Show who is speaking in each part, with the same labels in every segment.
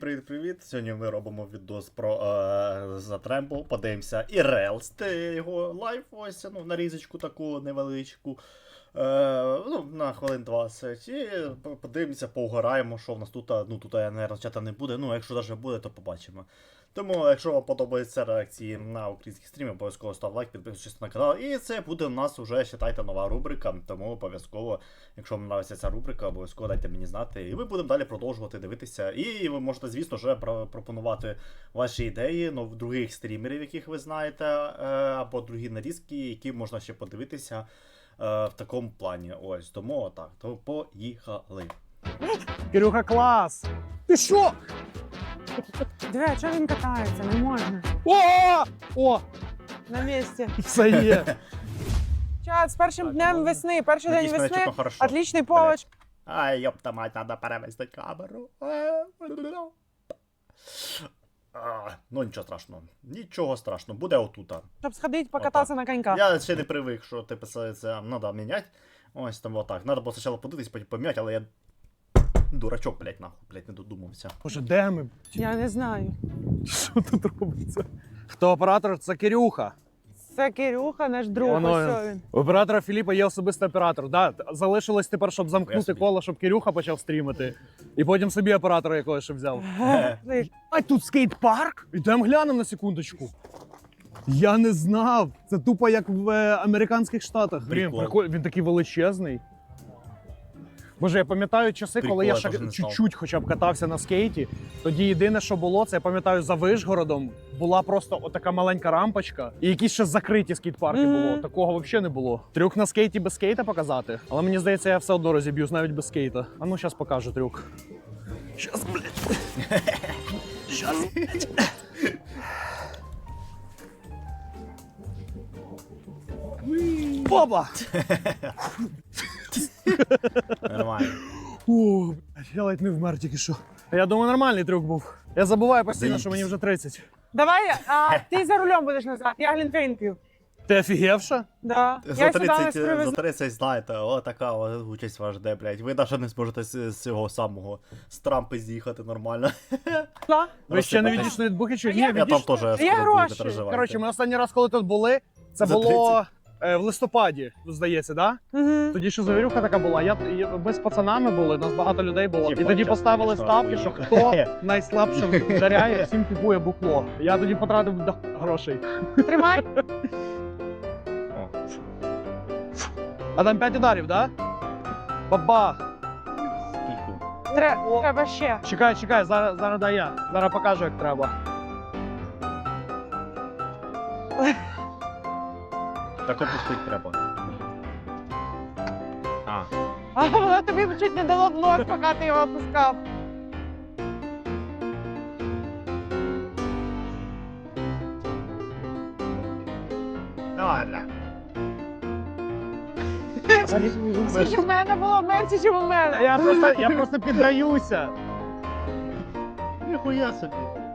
Speaker 1: Привіт-привіт! Сьогодні ми робимо відос про Затрембл. Подивимося і Релс, його лайф, ось, нарізочку таку невеличку. На хвилин 20. І подивимося, поугораємо, що в нас тут. Тут, наверное, чата не буде. Якщо навіть буде, то побачимо. Тому, якщо вам подобаються реакції на українські стріми, обов'язково став лайк, підписуйтесь на канал. І це буде у нас вже, вважайте, нова рубрика. Тому обов'язково, якщо вам подобається ця рубрика, обов'язково дайте мені знати. І ми будемо далі продовжувати дивитися. І ви можете, звісно, вже пропонувати ваші ідеї, в других стрімерів, яких ви знаєте, або другі нарізки, які можна ще подивитися в такому плані. Ось, тому отак. То поїхали.
Speaker 2: Кирюха, клас! Ти що?
Speaker 3: Диви, а чого він катається? Не можна.
Speaker 2: О!
Speaker 3: На місці.
Speaker 2: Все є.
Speaker 3: Чат, з першим днем весни. Перший день
Speaker 1: Надіюсь, мене
Speaker 3: весни.
Speaker 1: чутно хорошо.
Speaker 3: Отличний повод.
Speaker 1: Ай, ёпта мать, надо перевести камеру. Нічого страшного. Нічого страшного. Буде отута.
Speaker 3: Щоб сходити, покататися на коньках.
Speaker 1: Я ще не привик, що ти писається, треба міняти. Ось там отак. Треба було спочатку подивитись, потім поміняти, але я дурачок, блядь, не додумався.
Speaker 2: Боже, де ми?
Speaker 3: Я не знаю.
Speaker 2: Що тут робиться? Хто оператор? Це Кирюха.
Speaker 3: Це Кирюха, наш друг.
Speaker 2: Воно
Speaker 3: Ось він.
Speaker 2: У оператора Філіпа є особистий оператор. Да, залишилось тепер, щоб
Speaker 1: Я
Speaker 2: замкнути
Speaker 1: собі.
Speaker 2: коло, щоб Кирюха почав стрімити. І потім собі оператора якогось ще взяв. А тут скейт-парк? Ідемо глянемо на секундочку. Я не знав. Це тупо як в американських штатах.
Speaker 1: Прикол.
Speaker 2: Прикольно. Він такий величезний. Боже, я пам'ятаю часи,
Speaker 1: Прикол,
Speaker 2: коли я
Speaker 1: я
Speaker 2: ще
Speaker 1: теж не знав.
Speaker 2: чуть-чуть хоча б катався на скейті. Тоді єдине, що було, це я пам'ятаю, за Вишгородом була просто отака маленька рампочка. І якісь ще закриті скейт-парки було. Такого взагалі не було. Трюк на скейті без скейта показати. Але мені здається, я все одно розіб'юсь навіть без скейта. А ну, зараз покажу трюк. Щас, блядь. Щас, блядь. Баба!
Speaker 1: Нормально.
Speaker 2: О, блядь, я ледь не вмер тільки що. Я думаю, нормальний трюк був. Я забуваю постійно, що мені вже 30.
Speaker 3: Давай, ти за рулем будеш назад. Я глінтвейн п'ю.
Speaker 2: Ти офігевша?
Speaker 3: Да.
Speaker 1: За
Speaker 3: Я сюди нас
Speaker 1: 30, за
Speaker 3: привезла.
Speaker 1: 30, знаєте, така участь вас жде, блядь. Ви навіть не зможете з цього самого, з Трампи з'їхати нормально.
Speaker 2: Ви ще не
Speaker 1: Розсипатись.
Speaker 2: відійшли від Бухича? Ні,
Speaker 1: Я там
Speaker 2: відійшли.
Speaker 1: теж
Speaker 3: Я
Speaker 1: скоро буду,
Speaker 3: гроші.
Speaker 1: не переживайте.
Speaker 2: Коротше, ми останній раз, коли тут були, це
Speaker 1: За
Speaker 2: було в листопаді, здається, да?
Speaker 3: Угу.
Speaker 2: Тоді ще завірюха така була. Ми з пацанами були, нас багато людей було. І
Speaker 1: Типа,
Speaker 2: тоді
Speaker 1: час
Speaker 2: поставили
Speaker 1: пішла,
Speaker 2: ставки, що
Speaker 1: уїхав.
Speaker 2: хто найслабшим вдаряє, всім купує букло. Я тоді потратив до грошей.
Speaker 3: Тримай.
Speaker 2: А там 5 ударів, да? Бабах!
Speaker 1: Скільки?
Speaker 3: Треба ще.
Speaker 2: Чекай, зараз дай я. Зараз покажу, як треба.
Speaker 1: Так опустить треба.
Speaker 3: А вона тобі чуть не дало блок, поки ти його опускав.
Speaker 1: Ладно.
Speaker 3: Скільки в мене було менше, ніж у мене.
Speaker 2: Я просто піддаюся.
Speaker 1: Ніхуя собі.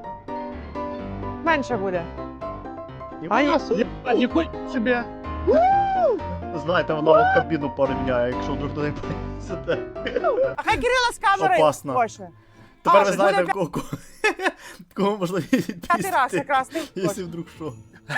Speaker 3: Менше буде.
Speaker 1: Ніхуя собі.
Speaker 2: Ніхуя собі.
Speaker 1: Знаєте, вона вам кабіну порівняє, якщо вдруг туди сюди.
Speaker 3: А хай Кирила з камерою.
Speaker 1: Опасно.
Speaker 3: Хоче.
Speaker 1: Тепер
Speaker 3: А,
Speaker 1: ви
Speaker 3: це
Speaker 1: знаєте,
Speaker 3: буде
Speaker 1: кого можна
Speaker 3: П'ятий раз
Speaker 1: відпустити,
Speaker 3: якраз ти
Speaker 1: якщо
Speaker 3: хочеш.
Speaker 1: вдруг що.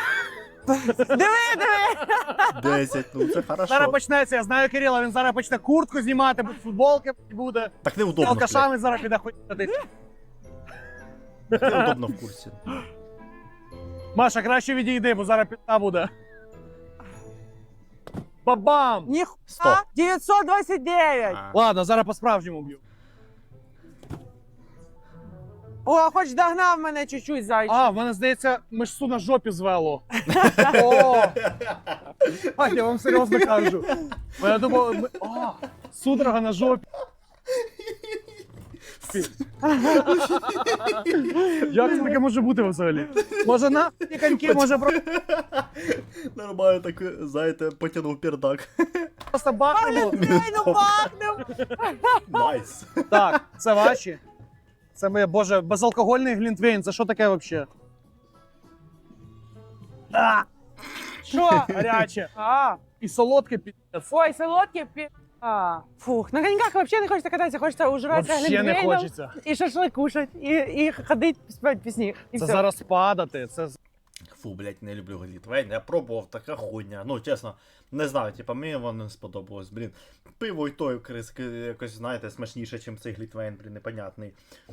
Speaker 3: Диви.
Speaker 1: 10, це хорошо.
Speaker 2: Зараз почнеться, я знаю Кирила, він зараз почне куртку знімати, без футболки буде.
Speaker 1: Так
Speaker 2: З
Speaker 1: неудобно, блядь.
Speaker 2: алкашами зараз піде ходити.
Speaker 1: Неудобно в курсі.
Speaker 2: Маша, краще відійди, бо зараз підта буде. Бабам!
Speaker 3: Ніхуя.
Speaker 1: 100.
Speaker 3: 929.
Speaker 2: Ладно, зараз по-справжньому б'ю.
Speaker 3: О, хоч догнав мене чуть-чуть, зайчик.
Speaker 2: А, в мене здається, мишцу на жопі звело. О! А, я вам серйозно кажу. Бо я думав, судорога на жопі. Як це таке може бути взагалі? Може на коньки, може
Speaker 1: Нормально так, знаєте, потягнув пердак.
Speaker 2: просто бахнуло.
Speaker 3: Ну бахнув.
Speaker 1: Найс.
Speaker 2: Так, це ваші. Це моє, боже, безалкогольний глінтвейн, це що таке взагалі?
Speaker 3: Що?
Speaker 2: Гаряче.
Speaker 3: А,
Speaker 2: І солодке пі***ць.
Speaker 3: ой, солодкі Фух, на коньках вообще не хочется кататься, хочется ужраться
Speaker 2: Вообще не
Speaker 3: глинтвейном
Speaker 2: хочеться.
Speaker 3: і шашлик кушать, і ходить, співати пісні. І
Speaker 2: Це
Speaker 3: все.
Speaker 2: зараз падати, це
Speaker 1: Фу, блядь, не люблю глітвейн. Я пробував, така хуйня. Ну, чесно, не знаю, типа, мені воно не сподобалось, блін. Пиво і той якось, знаєте, смачніше, ніж цей глітвейн, блін, непонятний.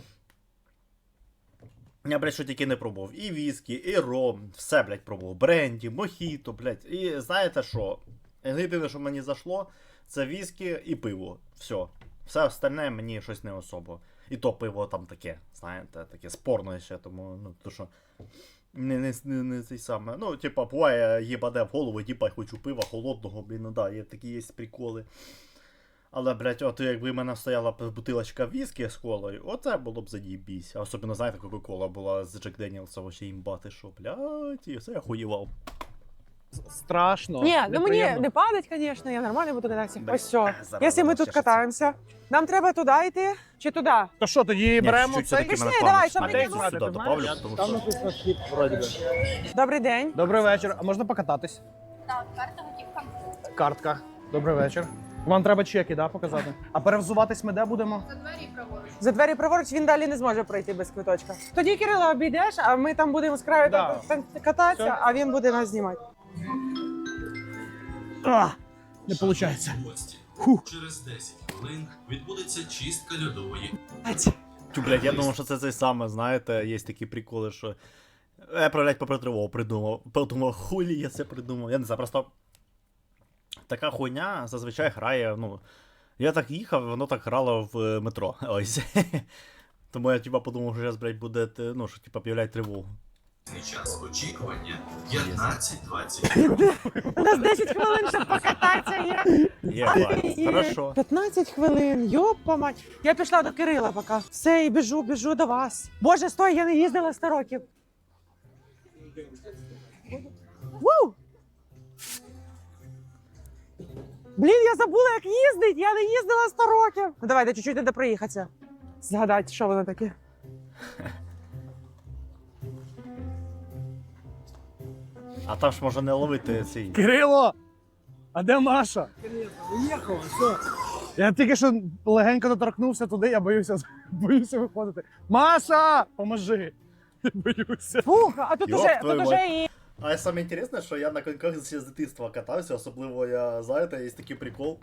Speaker 1: Я, блядь, що тільки не пробував. І віскі, і ром, все, блядь, пробував. Бренді, мохіто, блядь. І знаєте що? Єдине, що мені зайшло, це віскі і пиво. Все. Все остальне мені щось не особо. І то пиво там таке, знаєте, таке спорне ще, тому, ну, то що... Не цей саме. Ну, типа, буває, їбаде в голову, типа, хочу пива холодного, блін, ну да, є такі є приколи. Але, блядь, от якби в мене стояла бутилочка віскі з колою, оце було б заєбісь. А особливо, знаєте, Кока-Кола була з Джек Деніелса, вообще імбати, що, блядь, і все, я хуєвав.
Speaker 2: страшно.
Speaker 3: Ні, ну мені
Speaker 2: неприємно.
Speaker 3: не падать, звісно, я нормально буду кататися.
Speaker 1: Да.
Speaker 3: Ось все.
Speaker 1: Зараз
Speaker 3: Якщо ми
Speaker 1: ще
Speaker 3: тут
Speaker 1: щось.
Speaker 3: катаємося, нам треба туди йти чи туди?
Speaker 2: То що, тоді беремо
Speaker 1: чуть-чуть
Speaker 2: цей?
Speaker 1: все-таки мене
Speaker 3: Пішли,
Speaker 1: пам'ять
Speaker 3: давай, щоб
Speaker 1: маленька,
Speaker 3: мені
Speaker 1: сюди
Speaker 2: було.
Speaker 1: добавлю, тому
Speaker 2: Там
Speaker 1: що...
Speaker 2: написано схід, вроді би.
Speaker 3: Добрий день.
Speaker 2: Добрий вечір. А можна покататись?
Speaker 4: Так, карта готівка.
Speaker 2: Картка. Добрий вечір. Вам треба чеки, да, показати? А перевзуватись ми де будемо?
Speaker 4: За двері праворуч.
Speaker 3: За двері праворуч він далі не зможе пройти без квиточка. Тоді Кирила обійдеш, а ми там будемо з краю
Speaker 2: Да.
Speaker 3: кататися,
Speaker 2: Все.
Speaker 3: а він буде нас знімати.
Speaker 2: Не виходить.
Speaker 5: Гості. Через 10 хвилин відбудеться чистка льодової.
Speaker 1: Тю, блядь, я думав, що це те саме, знаєте, є такі приколи, що... Я, блядь, попри тривогу придумав. Подумав, хулі я це придумав. Я не знаю, просто... Така хуйня зазвичай грає, ну... Я так їхав, воно так грало в метро. Ось. Тому я, типа, подумав, що зараз, блядь, буде, ну, що, типа, появляють тривогу.
Speaker 5: Час очікування 15-20.
Speaker 3: У нас 10 хвилин, щоб покататися є.
Speaker 1: Єбать, хорошо.
Speaker 3: 15 хвилин, йопа мать. Я пішла до Кирила поки. Все, і біжу до вас. Боже, стой, я не їздила 100 років. Ву! Блін, я забула, як їздить. Я не їздила 100 років. Ну давайте чуть-чуть треба проїхатися. Згадати, що воно таке.
Speaker 1: А там ж може не ловити цей...
Speaker 2: Кирило! А де Маша? Уїхала, все. Я тільки що легенько доторкнувся туди, я боюся виходити. Маша! Поможи! Я боюся.
Speaker 3: Фух, а тут
Speaker 1: Йоп,
Speaker 3: уже,
Speaker 1: твою
Speaker 3: тут уже і...
Speaker 1: А саме інтересне, що я на коньках ще з дитинства катався, особливо я, знаєте, є такий прикол.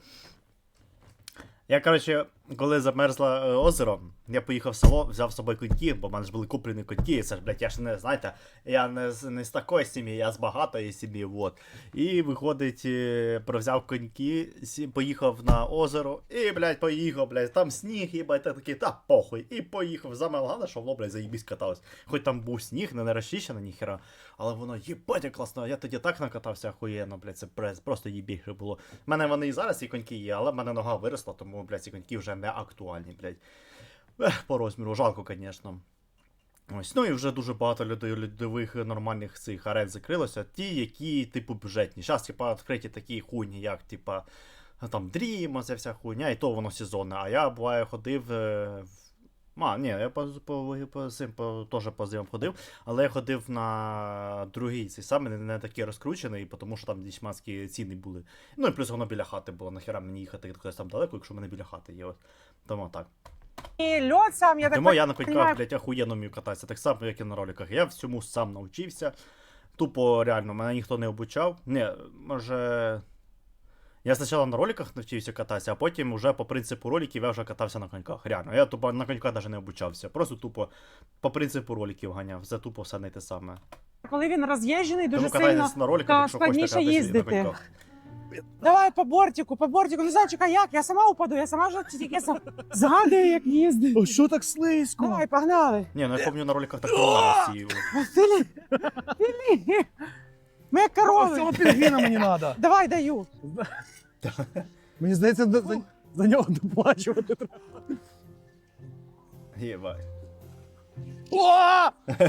Speaker 1: Я, коротше, коли замерзло озеро, я поїхав в село, взяв з собою коньки, бо в мене ж були куплені коньки, і це ж, блядь, я ж не, знаєте, я не з такої сім'ї, я з багатої сім'ї, вот. І, виходить, взяв коньки, поїхав на озеро, і, блядь, поїхав, блядь, там сніг, їбать, я такий, та похуй, і поїхав. Саме головне, що воно, блядь, заїбісь каталось. Хоч там був сніг, не розчищено ніхера, але воно, їбать, як класно, я тоді так накатався охуєнно, блядь, це просто їбіше було. У мене вони і зараз ці коньки є, але в мене нога виросла, тому, блядь, ці коньки вже не актуальні, блядь. По розміру, жалко, звісно. Ось, ну і вже дуже багато льодових нормальних цих арен закрилося. Ті, які, типу, бюджетні. Зараз, типа, відкриті такі хуйні, як, типа, там, Dream, оця вся хуйня, і то воно сезонне. А я, буває, ходив ні, я теж по зимам ходив, але я ходив на другий, цей самий, не такий розкручений, тому що там дічманські ціни були. Ну і плюс воно біля хати було, нахера мені їхати кудись там далеко, якщо в мене біля хати є. От. Тому так.
Speaker 3: І льод сам, я так
Speaker 1: Тому я на коньках,
Speaker 3: понимаю.
Speaker 1: блядь, охуєнно вмію кататися, так само, як і на роликах. Я всьому сам навчився. Тупо, реально, мене ніхто не обучав. Не, може... Я спочатку на роликах навчився кататися, а потім вже по принципу роликів я вже катався на коньках. Реально, я тупо на коньках навіть не обучався. Просто тупо по принципу роликів ганяв. Все тупо все не те саме.
Speaker 3: Коли він роз'їжджений, дуже
Speaker 1: Тому
Speaker 3: сильно
Speaker 1: катайтесь на роликах, якщо хочете
Speaker 3: складніше
Speaker 1: кататися на
Speaker 3: їздити.
Speaker 1: коньках.
Speaker 3: Давай по бортику, ну зайчика, як? Я сама упаду, я сама вже тільки згадую, як їздить.
Speaker 2: О, що так слизько?
Speaker 3: Давай, погнали.
Speaker 1: Ні, ну я пам'ятаю на роликах так нормально всі.
Speaker 3: Філіп, ми як
Speaker 2: Ось
Speaker 3: корови.
Speaker 2: цього пінгвіна мені треба.
Speaker 3: Давай, даю.
Speaker 2: Мені здається, за нього доплачувати треба.
Speaker 1: Єбать.
Speaker 2: О!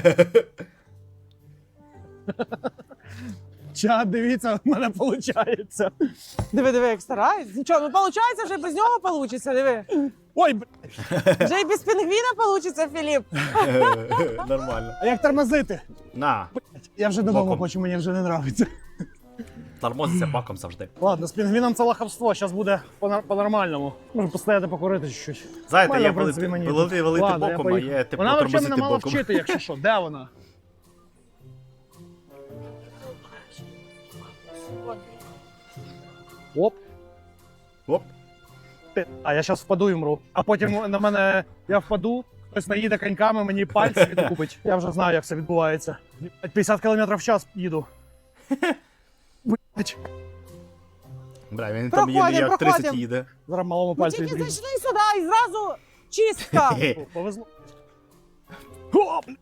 Speaker 2: Чат, дивіться, в мене виходить.
Speaker 3: Диви, як стараюсь. Нічого, ну виходить, вже без нього вийде, диви.
Speaker 2: Ой,
Speaker 3: Вже і без пінгвіна вийде, Філіп.
Speaker 1: Нормально.
Speaker 2: а як тормозити?
Speaker 1: На.
Speaker 2: Я вже додому
Speaker 1: Боком.
Speaker 2: хочу, мені вже не подобається.
Speaker 1: Тормозиться баком завжди.
Speaker 2: Ладно, з пінгвіном це лахавство, зараз буде по-нормальному. Може постояти покурити чуть-чуть.
Speaker 1: Знаєте,
Speaker 2: Нормально,
Speaker 1: є
Speaker 2: в принципі, мені тут.
Speaker 1: велити
Speaker 2: Ладно, я
Speaker 1: боком, а
Speaker 2: поїхав.
Speaker 1: є типу
Speaker 2: Вона взагалі
Speaker 1: тормозити
Speaker 2: мене мала
Speaker 1: боком.
Speaker 2: вчити, якщо що. Де вона? Оп.
Speaker 1: Оп.
Speaker 2: А я зараз впаду і мру. А потім на мене я впаду, хтось наїде коньками, мені пальці відкупить. Я вже знаю, як це відбувається. 50 км в час їду. Блять.
Speaker 1: Бля, він там
Speaker 3: Проходим,
Speaker 1: як 30
Speaker 3: проходим.
Speaker 1: їде.
Speaker 2: Зараз малому
Speaker 3: Ми
Speaker 2: пальці
Speaker 3: тільки
Speaker 2: відріжу.
Speaker 3: зайшли сюди і зразу чистка.
Speaker 2: Повезло. О, блядь.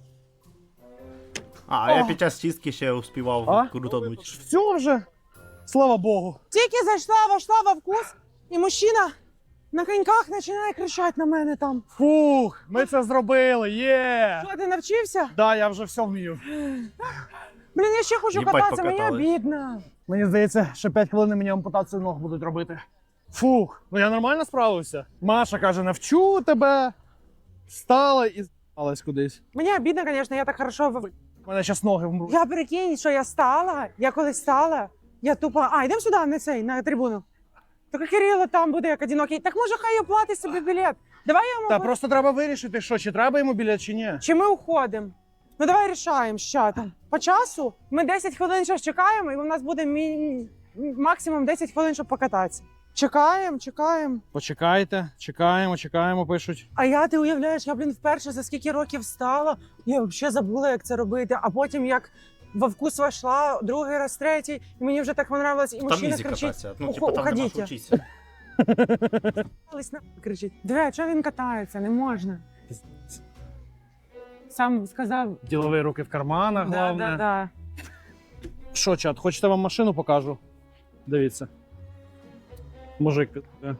Speaker 1: А я під час чистки ще успівав
Speaker 2: А?
Speaker 1: крутануть.
Speaker 2: Все вже. Слава Богу.
Speaker 3: Тільки зайшла, вошла во вкус, і мужчина на коньках починає кричати на мене там.
Speaker 2: Фух, ми це зробили, є!
Speaker 3: Що, ти навчився?
Speaker 2: Да, я вже все вмію.
Speaker 3: Блін, я ще хочу
Speaker 1: Їбать,
Speaker 3: кататися, мені
Speaker 1: покатались.
Speaker 3: обідно.
Speaker 2: Мені здається, ще 5 хвилин мені ампутацію ног будуть робити. Фух, ну я нормально справився. Маша каже, навчу тебе. Встала і з**алась кудись.
Speaker 3: Мені обідно, звісно, я так хорошо...
Speaker 2: У мене зараз ноги вмруть.
Speaker 3: Я прикинь, що я стала, я коли стала, я тупо... А, йдемо сюди, на цей, на трибуну. Так Кирило там буде як одинокий. Так може хай оплатить собі білет. Давай я йому...
Speaker 2: Та просто треба вирішити, що, чи треба йому білет, чи ні.
Speaker 3: Чи ми уходимо? Ну давай рішаємо, що там. По часу ми 10 хвилин ще чекаємо, і у нас буде максимум 10 хвилин, щоб покататися. Чекаємо, чекаємо.
Speaker 2: Почекайте, чекаємо, пишуть.
Speaker 3: А я, ти уявляєш, я, блін, вперше за скільки років встала, я взагалі забула, як це робити. А потім, як во вкус вошла, другий раз, третій, і мені вже так понравилось, і
Speaker 1: Там
Speaker 3: мужчина
Speaker 1: ізі
Speaker 3: кричить.
Speaker 1: кататися. Ну, типу, там нема що
Speaker 3: Уходіть.
Speaker 1: вчитися.
Speaker 3: Кричить. Диви, чого він катається? Не можна. Сам сказав.
Speaker 2: Ділові руки в карманах,
Speaker 3: Да,
Speaker 2: головне.
Speaker 3: да, да.
Speaker 2: Що, чат, хочете вам машину покажу? Дивіться. Мужик.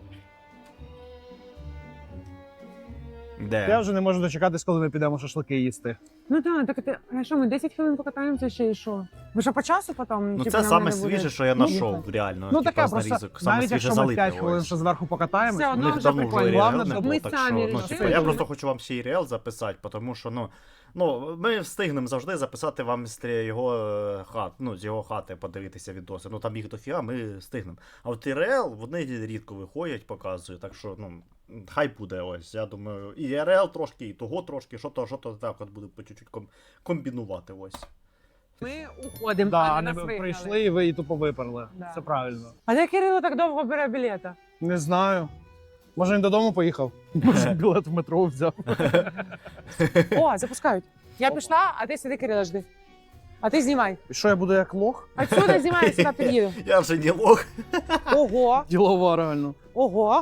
Speaker 2: Я
Speaker 1: Де?
Speaker 2: вже не можу дочекатись, коли ми підемо шашлики їсти.
Speaker 3: Ну так, так ти, а що, ми 10 хвилин покатаємося ще і що? Ви що по часу потім?
Speaker 1: Ну
Speaker 3: типу,
Speaker 1: це
Speaker 3: нам
Speaker 1: саме
Speaker 3: треба буде?
Speaker 1: свіже, що я знайшов, реально.
Speaker 2: Ну
Speaker 1: типа,
Speaker 2: таке
Speaker 1: з
Speaker 2: просто,
Speaker 1: нарізок. Саме
Speaker 2: навіть
Speaker 1: свіже
Speaker 2: якщо ми 5
Speaker 1: залите.
Speaker 2: хвилин
Speaker 1: ось.
Speaker 2: ще зверху покатаємось,
Speaker 3: Все
Speaker 1: У
Speaker 3: одно
Speaker 1: них
Speaker 3: вже
Speaker 1: давно
Speaker 3: прикольно.
Speaker 1: вже
Speaker 2: Головне,
Speaker 1: РЛ не
Speaker 2: щоб
Speaker 1: було,
Speaker 3: ми
Speaker 1: так
Speaker 3: самі
Speaker 1: що, ну,
Speaker 3: рішили.
Speaker 1: типу, я просто хочу вам ще і РЛ записати, тому що, ну, ми встигнемо завжди записати вам з його хат, ну, з його хати подивитися відоси. Ну, там їх дофіга, ми встигнемо. А от РЛ, вони рідко виходять, показують, так що, ну, хай буде ось, я думаю, і РЛ трошки, і того трошки, що то так от буде по чуть-чуть комбінувати ось.
Speaker 3: Ми уходимо,
Speaker 2: Да,
Speaker 3: а
Speaker 2: а
Speaker 3: не
Speaker 2: не
Speaker 3: нас
Speaker 2: ви
Speaker 3: вигнали.
Speaker 2: прийшли і ви і тупо виперли.
Speaker 3: Да.
Speaker 2: Це правильно.
Speaker 3: А де Кирило так довго бере білета?
Speaker 2: Не знаю. Може він додому поїхав? Може білет в метро взяв.
Speaker 3: О, запускають. Я пішла, а ти сиди, Кирило, жди. А ти знімай.
Speaker 2: І що, я буду як лох?
Speaker 3: Отсюда знімай, я сюди під'їду.
Speaker 1: Я вже не лох.
Speaker 3: Ого,
Speaker 2: Ділова, реально.
Speaker 3: ого.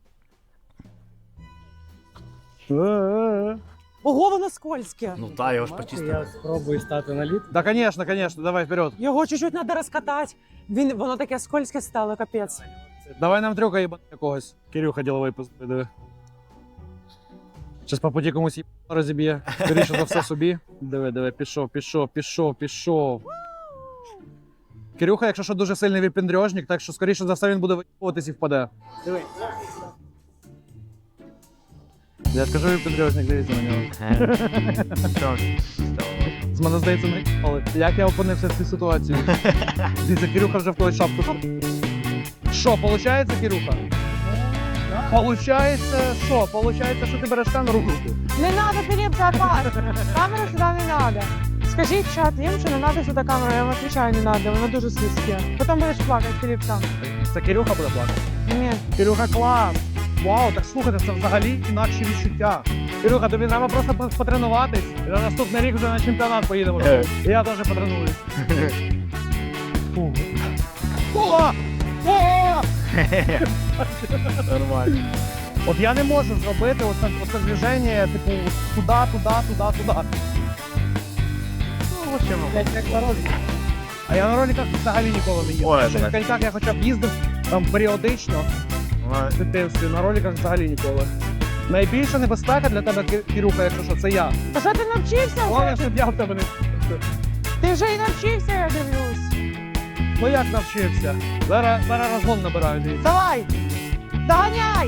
Speaker 3: Ого, воно скользке.
Speaker 1: Ну та, його ж почистили.
Speaker 2: спробую стати на лід. Да, конечно, давай вперед.
Speaker 3: Його чуть-чуть треба розкатати. Воно таке скользке стало, капець.
Speaker 2: Давай нам трюка їбати якогось. Кирюха діловий диви. Щас по путі комусь їб розіб'є. Скоріше за все собі. Диви, пішов. Кирюха, якщо що, дуже сильний випендрежник, так що скоріше за все він буде виїбуватись і впаде. Диви. Я скажу випендрежник, дивіться на нього. З мене здається, не але як я опинився в цій ситуації? Дивіться, Кирюха вже в когось шапку. Що, получається, Кирюха? Получається, що? Получається, що ти береш камеру в руку.
Speaker 3: Не треба, Філіп, це опасно. Камеру сюди не треба. Скажіть чат їм, що не треба сюди камеру, я вам відповідаю, не треба, воно дуже слизьке. Потім будеш плакати, Філіп, сам.
Speaker 2: Це Кирюха буде плакати.
Speaker 3: Ні.
Speaker 2: Кирюха, клас! Вау, так слухайте, це взагалі інакші відчуття. Кирюха, тобі треба просто потренуватись, і на наступний рік вже на чемпіонат поїдемо. І я теж потренуюсь. Фу. О! О!
Speaker 1: Нормально.
Speaker 2: От я не можу зробити оце движення, типу, туди.
Speaker 1: Ну, в общем,
Speaker 2: А я на роликах взагалі ніколи не їздив.
Speaker 1: Ой,
Speaker 2: Що на коньках я хоча б їздив там періодично в дитинстві, на роликах взагалі ніколи. Найбільша небезпека для тебе, Кирюха, якщо що, це я.
Speaker 3: Та що ти навчився?
Speaker 2: Головне, щоб я в тебе не...
Speaker 3: Ти вже і навчився, я дивлюсь.
Speaker 2: Ну як навчився? Зараз розгон набираю, дивіться.
Speaker 3: Давай! Доганяй!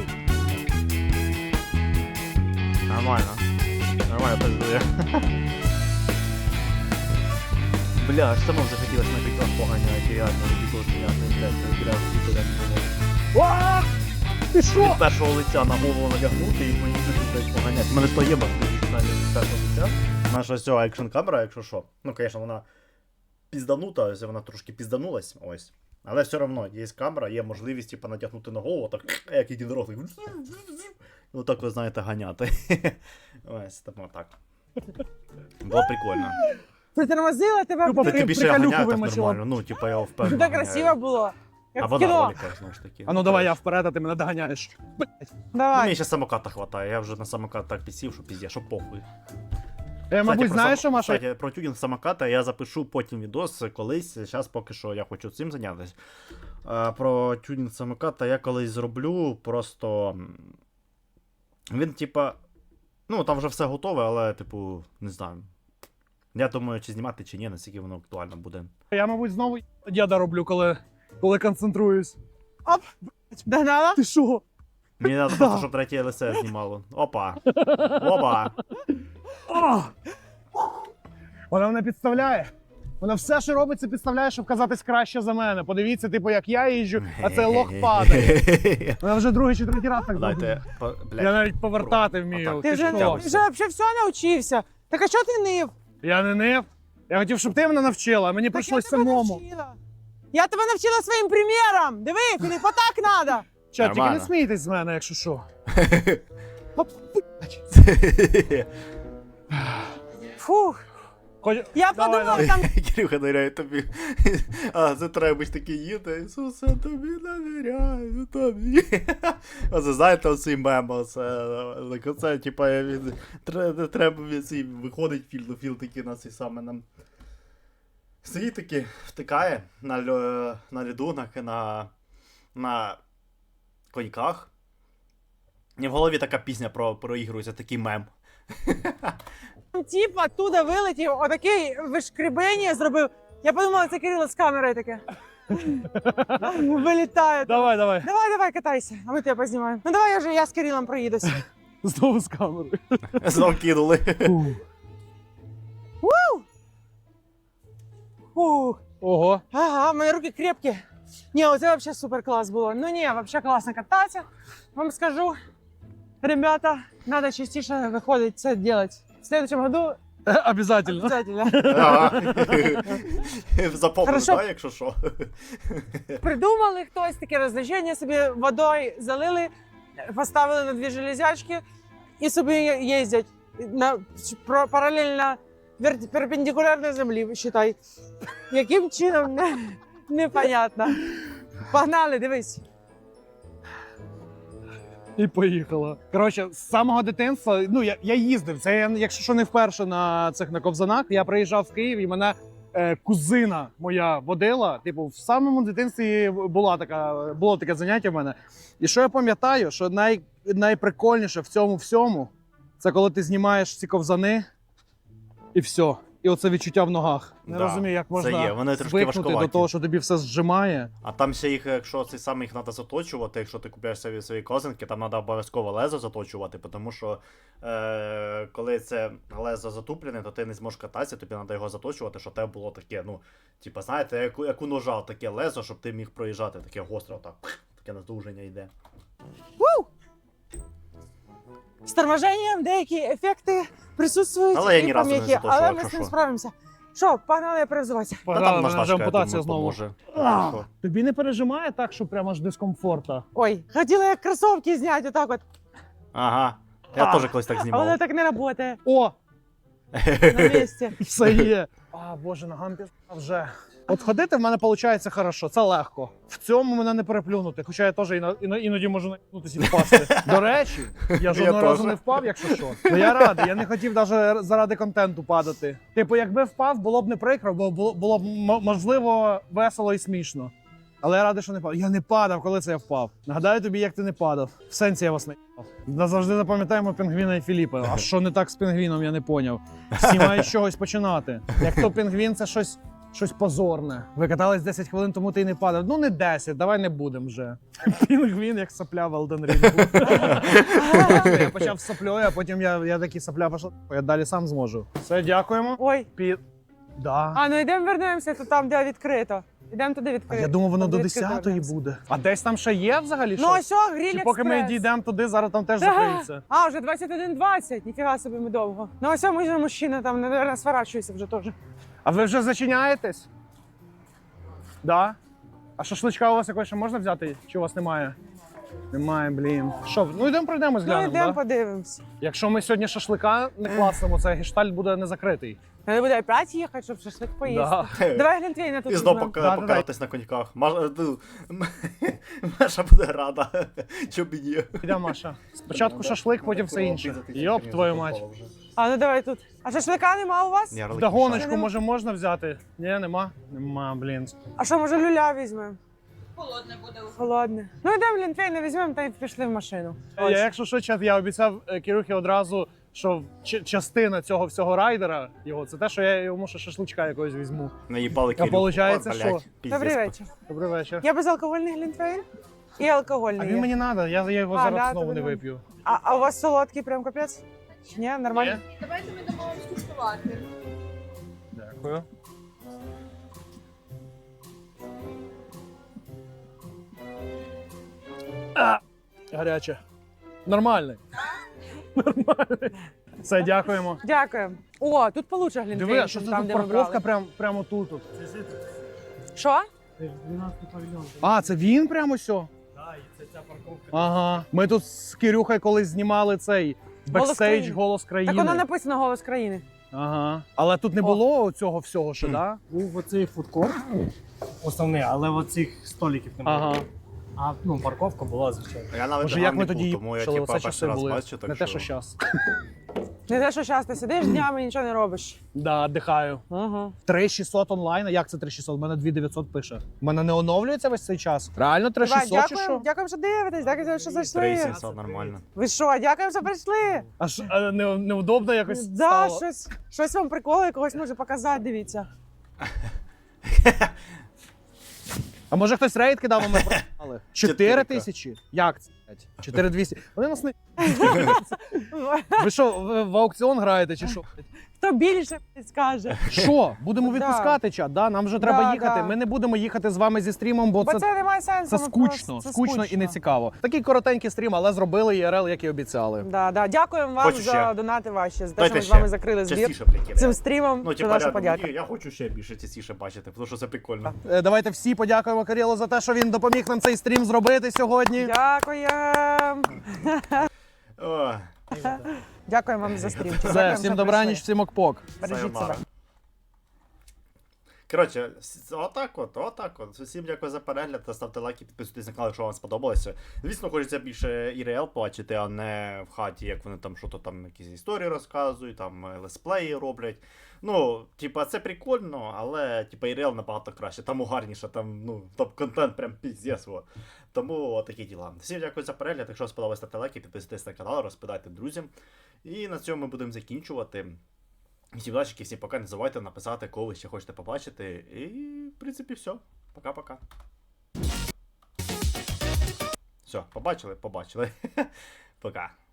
Speaker 1: Нормально, пиздує.
Speaker 6: Бля, аж само захотілося на TikTok поганяти, реально, відео зняти, блядь, це бля, всі туди
Speaker 2: А! Ти що?
Speaker 6: від першого лиця на голову надягнути і мені тут поганяти. У мене ж то є навіть від першого лиця.
Speaker 1: Наша ось ця екшн камера, якщо що. Ну, звісно, вона пізданута, ось вона трошки пізданулась, ось. Але все одно є камера, є можливість типу, натягнути на голову, так як єдинорог, так. І отак ви знаєте ганяти. Ось, тому так. Було прикольно.
Speaker 3: Притормозила тебе.
Speaker 2: Тупо
Speaker 1: Та
Speaker 2: при-
Speaker 1: тобі ще я
Speaker 2: приколюху
Speaker 1: ганяю так
Speaker 2: вимочила.
Speaker 1: нормально, ну, типу, я впевнений.
Speaker 3: Так красиво було. Як
Speaker 1: Або
Speaker 3: в
Speaker 1: на
Speaker 3: кіно.
Speaker 1: роликах, знову ж таки.
Speaker 2: А ну давай я вперед, а ти мене доганяєш.
Speaker 1: Ну,
Speaker 3: Давай.
Speaker 1: мені ще самоката хватає, я вже на самокат так підсів, що пізде, що похуй.
Speaker 2: Я, мабуть,
Speaker 1: про
Speaker 2: знаєш, що, Маша?
Speaker 1: Кстати, про тюнінг самоката я запишу потім відос колись. Зараз поки що я хочу цим зайнятися. Про тюнінг самоката я колись зроблю. Просто. Він, типа. Ну, там вже все готове, але, типу, не знаю. Я думаю, чи знімати, чи ні, наскільки воно актуально буде.
Speaker 2: Я, мабуть, знову діда роблю, коли концентруюсь.
Speaker 3: Догнала?
Speaker 2: Ти що?
Speaker 1: Мені треба просто, щоб третє ЛСЕ знімало. Опа! Опа!
Speaker 2: А! Вона мене підставляє. Вона все, що робить, це підставляє, щоб казатись краще за мене. Подивіться, типу, як я їжджу, а цей лох падає. Вона вже другий чи третій раз так зробила.
Speaker 1: Дайте.
Speaker 2: Я навіть повертати вмію.
Speaker 1: Отак.
Speaker 3: Ти вже
Speaker 1: що?
Speaker 3: взагалі все навчився. Так а що ти нив?
Speaker 2: Я не нив. Я хотів, щоб ти мене навчила, а мені
Speaker 3: Так
Speaker 2: прийшлось
Speaker 3: я тебе
Speaker 2: самому.
Speaker 3: навчила. Я тебе навчила своїм приміром. Диви, куди отак треба.
Speaker 2: Чат, тільки не
Speaker 1: Нормально.
Speaker 2: смійтесь з мене, якщо що.
Speaker 3: Фух.
Speaker 2: Хоч...
Speaker 3: Я
Speaker 2: Давай,
Speaker 3: подумав,
Speaker 2: давай.
Speaker 3: там
Speaker 1: Кирюха довіряє тобі. А це треба ж таки їде. Ісусе, тобі довіряю, тобі. Оце знаєте, оцей мем, оце, типа, треба виходить філ такий на цей саме нам. Сидить таки, втикає на льоду, на коньках. І в голові така пісня проігрується, такий мем.
Speaker 3: тіп оттуда вилетів, отакий вишкребення зробив. Я подумала, це Кирило з камерою таке. Вилітає.
Speaker 2: Давай, давай.
Speaker 3: Давай, катайся, а ми тебе познімаємо. Ну давай я з Кирилом проїдусь.
Speaker 2: Знову з камерою.
Speaker 1: Знов кинули.
Speaker 3: Фух.
Speaker 2: Ого.
Speaker 3: Ага, в мене руки крепкі. Ні, оце взагалі супер клас було. Ну ні, взагалі класно кататися. Вам скажу, ребята, треба частіше виходити це робити. В следующем году
Speaker 2: Обязательно.
Speaker 3: обязательно.
Speaker 1: Запомнили,
Speaker 3: Хорошо.
Speaker 1: так, якщо що.
Speaker 3: Придумали хтось таке розвлечення, собі водою залили, поставили на дві железячки і собі їздять на паралельно перпендикулярно землі, вважай. Яким чином, непонятно. Погнали, дивись.
Speaker 2: І поїхала. Коротше, з самого дитинства, ну я їздив. Це я, якщо що не вперше на цих на ковзанах, я приїжджав в Київ і мене кузина моя водила. Типу, в самому дитинстві було таке заняття в мене. І що я пам'ятаю, що найприкольніше в цьому всьому, це коли ти знімаєш ці ковзани і все. І оце відчуття в ногах. Не
Speaker 1: Да,
Speaker 2: розумію, як
Speaker 1: це
Speaker 2: можна
Speaker 1: є. Вони трошки
Speaker 2: звикнути до
Speaker 1: важкуваті.
Speaker 2: того, що тобі все зжимає.
Speaker 1: А там ще їх, якщо цей саме їх треба заточувати, якщо ти купуєш свої козинки, там треба обов'язково лезо заточувати, тому що коли це лезо затуплене, то ти не зможеш кататися, тобі треба його заточувати, щоб тебе було таке, ну, типу, знаєте, як у ножа таке лезо, щоб ти міг проїжджати, таке гостре, отак, таке надовження йде.
Speaker 3: З торможенням деякі ефекти присутствують
Speaker 1: Але я
Speaker 3: і
Speaker 1: ні разу не
Speaker 3: пом'яки,
Speaker 1: заточував,
Speaker 3: але ми
Speaker 1: якщо
Speaker 3: з ним
Speaker 1: що.
Speaker 3: справимося. Що, погнали перевзуватися.
Speaker 1: Та
Speaker 2: Погнали,
Speaker 1: там
Speaker 2: мене вже
Speaker 1: наждачка, я
Speaker 2: ампутація
Speaker 1: думаю,
Speaker 2: знову.
Speaker 1: поможе.
Speaker 2: А,
Speaker 1: Що?
Speaker 2: тобі не пережимає так, що прямо аж дискомфорта?
Speaker 3: Ой, хотіла як кросовки зняти, отак от.
Speaker 1: Ага, я теж колись так
Speaker 3: А воно
Speaker 1: знімав.
Speaker 3: так не працює
Speaker 2: О,
Speaker 3: на місці.
Speaker 2: все є. А, боже, ногам пізна вже. От ходити в мене виходить хорошо, це легко. В цьому мене не переплюнути, хоча я теж іноді можу наїбнутися і впасти. До речі, я жодного разу
Speaker 1: теж.
Speaker 2: не впав, якщо що. Ну я радий, я не хотів навіть заради контенту падати. Типу, якби впав, було б не прикро, бо було б можливо весело і смішно. Але я радий, що не падав. Я не падав, коли це я впав. Нагадаю тобі, як ти не падав. В сенсі я вас не їбав. Назавжди запам'ятаємо пінгвіна і Філіпа. А що не так з пінгвіном, я не поняв. Всі мають з чогось починати. Як то пінгвін, це щось позорне. Ви катались 10 хвилин, тому ти й не падав. Ну не 10, давай не будемо вже. Пінгвін як сопля в Elden Ring. Я почав з соплею, а потім я такий сопля пішов. Я далі сам зможу. Все, дякуємо.
Speaker 3: Ой,
Speaker 2: Да.
Speaker 3: А, ну йдемо вернемося, то там, де відкрито. Йдемо туди
Speaker 2: А
Speaker 3: відкрито.
Speaker 2: я думав, воно
Speaker 3: Там,
Speaker 2: до
Speaker 3: де відкрито
Speaker 2: 10-ї
Speaker 3: вернемося.
Speaker 2: буде. А десь там ще є взагалі
Speaker 3: Ну,
Speaker 2: щось?
Speaker 3: ось, гриль
Speaker 2: Чи поки ми
Speaker 3: експрес.
Speaker 2: дійдемо туди, зараз там теж
Speaker 3: Да.
Speaker 2: закриється?
Speaker 3: А, вже 21:20, ніфіга собі ми довго. Ну ось ми мужчина там, наверное, сворачується вже теж.
Speaker 2: А ви вже зачиняєтесь? Да? А шашличка у вас якось ще можна взяти? Чи у вас немає? Немає, блін. Що, ну йдемо пройдемось,
Speaker 3: Ну
Speaker 2: глянемо,
Speaker 3: йдемо
Speaker 2: да?
Speaker 3: подивимось.
Speaker 2: Якщо ми сьогодні шашлика не класнемо, цей гештальт буде не закритий.
Speaker 3: Треба буде опять їхати, щоб шашлик поїсти.
Speaker 2: Да.
Speaker 3: Давай глінтвейна тут
Speaker 1: І знову
Speaker 3: візьмемо.
Speaker 2: Да-да-да.
Speaker 1: покататись на коньках. Маша буде рада. Чоб і ні.
Speaker 2: Йдемо, Маша. Спочатку шашлик, потім все інше. Йоп, твою мать.
Speaker 3: А, ну давай тут. А шашлика нема у вас?
Speaker 2: Вдогоночку, може, можна взяти? Ні, нема? Нема, блін.
Speaker 3: А що, може, люля візьмемо?
Speaker 4: Холодне буде.
Speaker 3: Холодне. Ну йдемо глінтвейна візьмемо та й пішли в машину.
Speaker 2: Я, якщо що, чат, я обіцяв Кирюхі одразу, що частина цього всього райдера його, це те, що я йому ще шашличка якогось візьму.
Speaker 1: Наїбали
Speaker 2: А получається, що?
Speaker 3: Добрий вечір.
Speaker 2: Добрий вечір.
Speaker 3: Я безалкогольний глінтвейн і
Speaker 2: А
Speaker 3: алкогольний.
Speaker 2: він
Speaker 3: є.
Speaker 2: мені треба, я його
Speaker 3: А,
Speaker 2: зараз
Speaker 3: да,
Speaker 2: знову
Speaker 3: тобі
Speaker 2: не
Speaker 3: надо.
Speaker 2: вип'ю.
Speaker 3: А у вас солодкий прям капець? Ні, нормально?
Speaker 2: Ні?
Speaker 4: Давайте ми дамо вам скуштувати.
Speaker 2: Дякую. Гаряче. Нормальний. Нормальний. Все, дякуємо.
Speaker 3: Дякую. О, тут получше глінтвейн,
Speaker 2: Диви, а що
Speaker 3: чим
Speaker 2: це
Speaker 3: там,
Speaker 2: тут
Speaker 3: де ми
Speaker 2: парковка
Speaker 3: брали.
Speaker 2: прямо тут.
Speaker 3: Що?
Speaker 2: А, це він прямо сьо? Так, це ця парковка. Ага. Ми тут з Кирюхою колись знімали цей бекстейдж
Speaker 3: країни.
Speaker 2: «Голос країни».
Speaker 3: Так воно написано «Голос країни».
Speaker 2: Ага. Але тут не було цього всього ще, да?
Speaker 6: Був оцей фудкорт основний, але оцих столиків немає.
Speaker 2: Ага.
Speaker 6: А ну, парковка була, звичайно.
Speaker 1: Я навіть
Speaker 2: Може, як ми
Speaker 1: не
Speaker 2: тоді
Speaker 1: був, тому я
Speaker 2: їхали,
Speaker 1: типа
Speaker 2: оце часи
Speaker 1: перший раз
Speaker 2: були.
Speaker 1: бачу, так
Speaker 2: Не те, що зараз.
Speaker 3: Не те, що зараз ти сидиш днями і нічого не робиш.
Speaker 2: Да, дихаю.
Speaker 3: Ага.
Speaker 2: 3600 онлайн, а як це 3600? У мене 2900 пише. У мене не оновлюється весь цей час. Реально 3600 чи що?
Speaker 3: Дякуємо, що дивитесь, дякуємо, що зайшли.
Speaker 1: 3700 нормально.
Speaker 3: Ви що, дякуємо, що прийшли.
Speaker 2: А неудобно якось
Speaker 3: Да,
Speaker 2: стало?
Speaker 3: щось вам приколи, якогось може показати, дивіться.
Speaker 2: А може хтось рейд кидав, а ми програли? 4
Speaker 1: 4К.
Speaker 2: тисячі? Як це? 4200. Вони нас не... Ви що, в аукціон граєте чи що?
Speaker 3: Хто більше скаже.
Speaker 2: Що? Будемо
Speaker 3: Да.
Speaker 2: відпускати чат, да? Нам вже треба
Speaker 3: Да,
Speaker 2: їхати.
Speaker 3: да.
Speaker 2: Ми не будемо їхати з вами зі стрімом, бо
Speaker 3: Бо
Speaker 2: це...
Speaker 3: це не має сенсу.
Speaker 2: Це
Speaker 3: ми
Speaker 2: скучно,
Speaker 3: просто- це
Speaker 2: скучно і не цікаво. Такий коротенький стрім, але зробили ІРЛ, як і обіцяли.
Speaker 3: Да, да. Дякуємо вам
Speaker 1: Хочу
Speaker 3: за
Speaker 1: ще.
Speaker 3: донати ваші, за те,
Speaker 1: Дайте
Speaker 3: що ми з
Speaker 1: ще.
Speaker 3: вами закрили збір
Speaker 1: Частіше прикидай.
Speaker 3: цим стрімом.
Speaker 1: Ну,
Speaker 3: Це
Speaker 1: типа,
Speaker 3: наша
Speaker 1: рядом,
Speaker 3: подяка.
Speaker 1: я хочу ще більше частіше бачити, тому що це прикольно.
Speaker 2: Давайте всі подякуємо Кирилу за те, що він допоміг нам цей стрім зробити сьогодні.
Speaker 3: Дякуємо.
Speaker 1: О,
Speaker 3: Дякуємо вам за стрім.
Speaker 2: Все,
Speaker 3: Дякуємо,
Speaker 2: всім
Speaker 3: що
Speaker 2: добраніч,
Speaker 3: прийшли.
Speaker 2: всім окпок.
Speaker 3: Бережіть
Speaker 1: Сайонара.
Speaker 3: себе.
Speaker 1: Коротше, отак от. Всім дякую за перегляд, ставте лайки, підписуйтесь на канал, якщо вам сподобалося. Звісно, хочеться більше ІРЛ бачити, а не в хаті, як вони там що-то там якісь історії розказують, там летсплеї роблять. Ну, типа, це прикольно, але типа ІРЛ набагато краще, там угарніше, там, ну, топ-контент прям піздець. Во. Тому такі діла. Всім дякую за перегляд. Якщо вам сподобалось, ставте лайки, підписуйтесь на канал, розповідайте друзям. І на цьому ми будемо закінчувати. Всім удачі, всім пока. Не забувайте написати, кого ви ще хочете побачити. І, в принципі, все. Пока-пока. Все, побачили? Побачили. Пока.